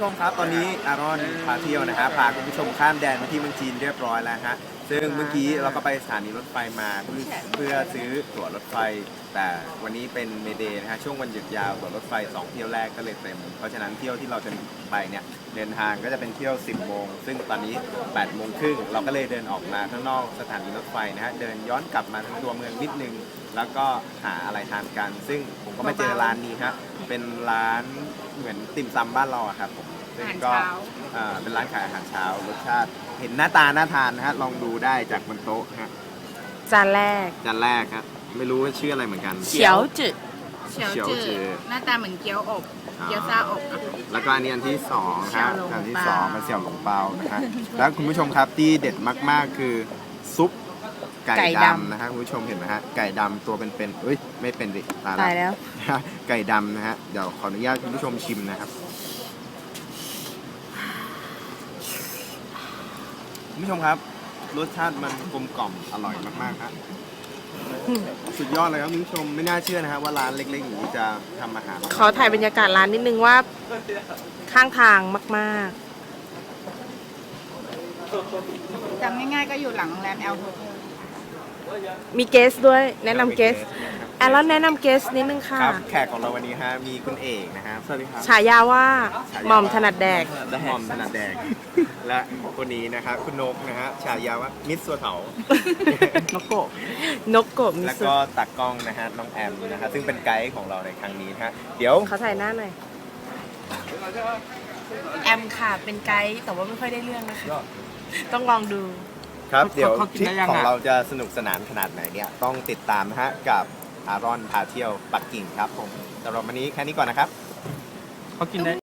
ชมครับตอนนี้อารอนพาเที่ยวนะฮะพาคุณผู้ชมข้ามแดนมาที่เมืองจีนเรียบร้อยแล้วฮะซึ่งเมื่อกี้เราก็ไปสถานีรถไฟมาเพื่อซื้อตั๋วรถไฟแต่วันนี้เป็นเมเดย์นะฮะช่วงวันหยุดยาวตั๋วรถไฟ2เที่ยวแรกก็เลยเต็มเพราะฉะนั้นเที่ยวที่เราจะไปเนี่ยเดินทางก็จะเป็นเที่ยว10 โมงซึ่งตอนนี้8 โมงครึ่งเราก็เลยเดินออกมาข้างนอกสถานีรถไฟนะฮะเดินย้อนกลับมาทางตัวเมืองนิดนึงแล้วก็หาอะไรทานกันซึ่งผมก็มาเจอร้านนี้ฮะเป็นร้านเหมือนติ่มซำบ้านเราอะครับผมซึ่งก็เป็นร้านขายอาหารเช้ารสชาติเห็นหน้าตาน่าทานนะฮะลองดูได้จากบนโต๊ะฮะจานแรกจานแรกครับไม่รู้ว่าชื่ออะไรเหมือนกันเฉียวจืดเฉียวจืดหน้าตาเหมือนเกี๊ยวอบเกี๊ยวซ่าอบอะแล้วก็อันนี้อันที่สองฮะเสี่ยวหลงอันที่เปาสองเป็นเสี่ยวหลงเปานะฮะแล้วคุณผู้ชมครับที่เด็ดมากๆคือซุปไก่ดำนะฮะคุณผู้ชมเห็นไหมฮะไก่ดำตัวเป็นๆเอ้ยไม่เป็นดิตายแล้วไก่ดำนะฮะเดี๋ยวขออนุญาตคุณผู้ชมชิมนะครับคุณผู้ชมครับรสชาติมันกลมกล่อมอร่อยมากๆครับสุดยอดเลยครับคุณผู้ชมไม่น่าเชื่อนะฮะว่าร้านเล็กๆอย่างนี้จะทำอาหารขอถ่ายบรรยากาศร้านนิดนึงว่าข้างทางมากจำง่ายๆก็อยู่หลังโรงแรมแอลโฮเทลๆ มีเกสด้วย แนะนำเกสแอลแล้วแนะนำเกสนิดนึงค่ะครับแขกของเราวันนี้ฮะมีคุณเอกนะฮะสวัสดีครับฉายาว่าหม่อมถนัดแดกหม่อมถนัดแดงและคนนี้นะครับคุณนกนะฮะฉายาว่ามิสซัวเถานกโกะนกโกะมิแล้วสุก็ตากล้องนะฮะน้องแอมนะฮะซึ่งเป็นไกด์ของเราในครั้งนี้นะฮะเดี๋ยวเขาถ่ายหน้าหน่อย แอมค่ะ เป็นไกด์แต่ว่าไม่ค่อยได้เรื่องนะคะ ต้องลองดูครับเดี๋ยวเขากินทริปได้ยังของอะเราจะสนุกสนานขนาดไหนเนี่ยต้องติดตามนะฮะกับอารอนพาเที่ยวปักกิ่งครับผมสำหรับวันนี้แค่นี้ก่อนนะครับเขากินได้